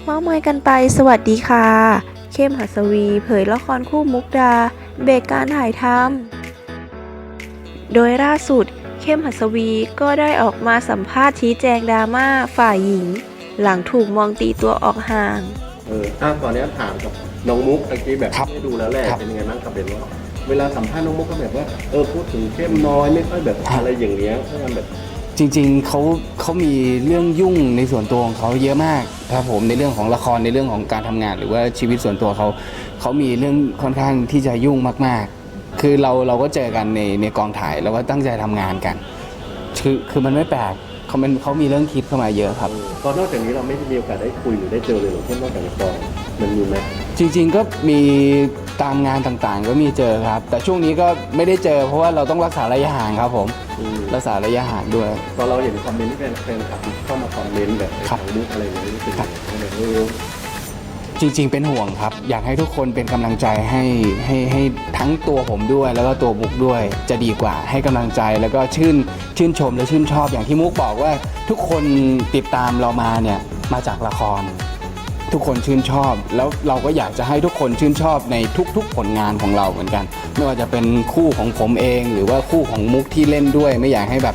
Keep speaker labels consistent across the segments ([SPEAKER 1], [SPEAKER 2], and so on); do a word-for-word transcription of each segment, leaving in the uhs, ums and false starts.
[SPEAKER 1] เม้ามอยกันไปสวัสดีค่ะเข้มหัสวีเผยละครคู่มุกดาเบรกการถ่ายทำโดยล่าสุดเข้มหัสวีก็ได้ออกมาสัมภาษณ์ชี้แจงดราม่าฝ่ายหญิงหลังถูกมองตีตัวออกห่าง
[SPEAKER 2] เอออ่ะตอนนี้ถามกับน้องมุกตะกี้แบบได้ดูแล้วแหละเป็นยังไงบ้างกับเบนว่าเวลาสัมภาษณ์น้องมุกก็แบบว่าเออพูดถึงเข้มน้อยไม่ค่อยแบบอะไรอย่างเงี้ยเพราะมันแบบ
[SPEAKER 3] จริงๆเขาเขามีเรื่องยุ่งในส่วนตัวของเขาเยอะมากครับผมในเรื่องของละครในเรื่องของการทำงานหรือว่าชีวิตส่วนตัวเขาเขามีเรื่องค่อนข้างที่จะยุ่งมากๆคือเราเราก็เจอกันในในกองถ่ายแล้วก็ตั้งใจทำงานกันคือคือมันไม่แปลกเขาเป็นเขามีเรื่องคิดเข้ามาเยอะครับ
[SPEAKER 2] ตอนนอกจากนี้เราไม่มีโอกาสได้คุยหรือได้เจอเลยหรือเช่นนอกจากละครมันมีไหม
[SPEAKER 3] จริงๆก็มีตามงานต่างๆก็มีเจอครับแต่ช่วงนี้ก็ไม่ได้เจอเพราะว่าเราต้องรักษาระยะห่างครับผมรักษาระยะห่างด้วย
[SPEAKER 2] ตอนเราเห็นคอมเมนต์ที่แฟนๆคลับเข้ามาคอมเมนต์แบบทางมุกอะไรอย่างเงี้ยรู้สึกยังไงเออ
[SPEAKER 3] จริงๆเป็นห่วงครับอยากให้ทุกคนเป็นกำลังใจให้ให้ให้ทั้งตัวผมด้วยแล้วก็ตัวมุกด้วยจะดีกว่าให้กำลังใจแล้วก็ชื่นชื่นชมและชื่นชอบอย่างที่มุกบอกว่าทุกคนติดตามเรามาเนี่ยมาจากละครทุกคนชื่นชอบแล้วเราก็อยากจะให้ทุกคนชื่นชอบในทุกๆผลงานของเราเหมือนกันไม่ว่าจะเป็นคู่ของผมเองหรือว่าคู่ของมุกที่เล่นด้วยไม่อยากให้แบบ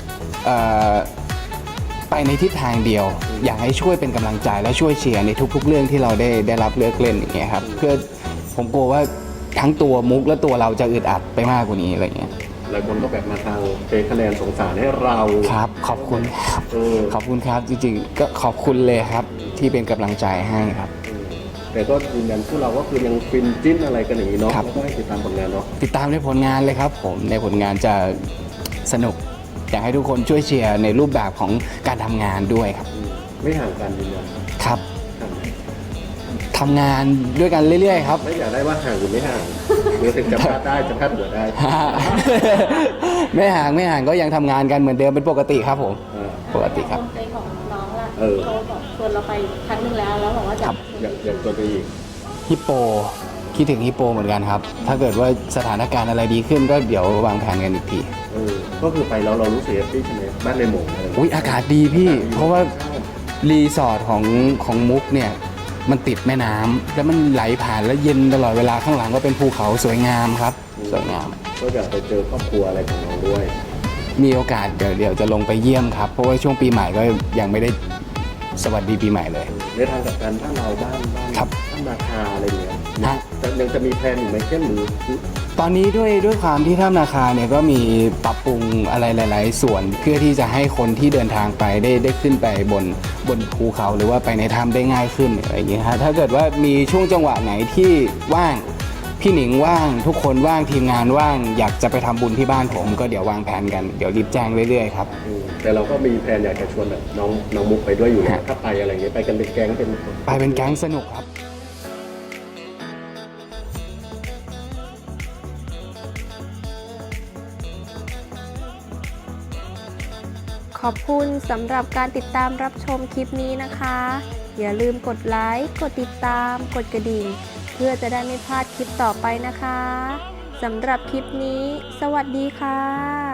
[SPEAKER 3] ไปในทิศทางเดียวอยากให้ช่วยเป็นกำลังใจและช่วยเชียร์ในทุกๆเรื่องที่เราได้ได้รับเลือกเล่นอย่างเงี้ยครับเพื่อผมกลัวว่าทั้งตัวมุกและตัวเราจะอึดอัดไปมากกว่านี้อะไรเงี้ย
[SPEAKER 2] หลายคนก็แบบมาทางเทคะแนนสงสารให้เรา
[SPEAKER 3] ครับขอบคุณครับขอบคุณครับจริงๆก็ขอบคุณเลยครับที่เป็นกำลังใจให้ครับ
[SPEAKER 2] แต่ก็ยืนยันพวกเราก็คือยังฟินจิ้นอะไรกันอย่างนี้เนาะแล้วก็ให้ติดตามผลงานเนาะ
[SPEAKER 3] ติดตามในผลงานเลยครับผมในผลงานจะสนุกอยากให้ทุกคนช่วยเชียร์ในรูปแบบของการทำงานด้วยครับ
[SPEAKER 2] ไม่ห่างกันยืนยัน
[SPEAKER 3] ครับทำงานด้วยกันเรื่อยๆครับ
[SPEAKER 2] ไม่อยากได้ว่าห่างหรือไม่ห่างหรือถึงจะพลาดได้จะพลาดหัวได้
[SPEAKER 3] ไม่ห่างไม่ห่างก็ยังทำงานกันเหมือนเดิมเป็นปกติครับผมปกติครับ
[SPEAKER 4] ใจของน้องล่ะเขาบอกชวนเราไปครั้งนึงแล้วแล้วบอกว่าจะ
[SPEAKER 2] อยากอยากตัวไปอีก
[SPEAKER 3] ฮิปโปคิดถึงฮิปโปเหมือนกันครับถ้าเกิดว่าสถานการณ์อะไรดีขึ้นก็เดี๋ยววางแผนกันอีกที
[SPEAKER 2] เออก็คือไปแล้วเรารู้สึกแฮปปี้ใช่ไหมบ้านในหมู่อะไร
[SPEAKER 3] อุ้ยอากาศดีพี่เพราะว่ารีสอร์ทของของมุกเนี่ยมันติดแม่น้ำแล้วมันไหลผ่านแล้วเย็นตลอดเวลาข้างหลังก็เป็นภูเขาสวยงามครับสวยงาม
[SPEAKER 2] ก็อยากไปเจอครอบครัวอะไรของเราด้วย
[SPEAKER 3] มีโอกาสเดี๋ยวเดี๋ยวจะลงไปเยี่ยมครับเพราะว่าช่วงปีใหม่ก็ยังไม่ได้สวัสดีปีใหม่เลย
[SPEAKER 2] ในทางกับการบ้านเราบ้านบ้านบ้านนาคาอะไรเงี้ยยังจะมีแพลนอยู่ไหมเช่นหรือ
[SPEAKER 3] ตอนนี้ด้วยด้วยความที่ถ้ำนาคาเนี่ยก็มีปรับปรุงอะไรหลายๆส่วนเพื่อที่จะให้คนที่เดินทางไปได้ได้ขึ้นไปบนบนภูเขาหรือว่าไปในถ้ำได้ง่ายขึ้นอะไรอย่างเงี้ยฮะถ้าเกิดว่ามีช่วงจังหวะไหนที่ว่างพี่หนิงว่างทุกคนว่างทีมงานว่างอยากจะไปทำบุญที่บ้านผมก็เดี๋ยววางแผนกันเดี๋ยวรีบแจ้งเรื่อยๆครับ
[SPEAKER 2] แต่เราก็มีแผนอยากจะชวนแบบน้องน้องมุกไปด้วยอยู่นะถ้าไปอะไรเงี้ยไปกันเป็นแก๊งเป็น
[SPEAKER 3] ไปเป็นแก๊งสนุกครับ
[SPEAKER 1] ขอบคุณสำหรับการติดตามรับชมคลิปนี้นะคะอย่าลืมกดไลค์กดติดตามกดกระดิ่งเพื่อจะได้ไม่พลาดคลิปต่อไปนะคะสำหรับคลิปนี้สวัสดีค่ะ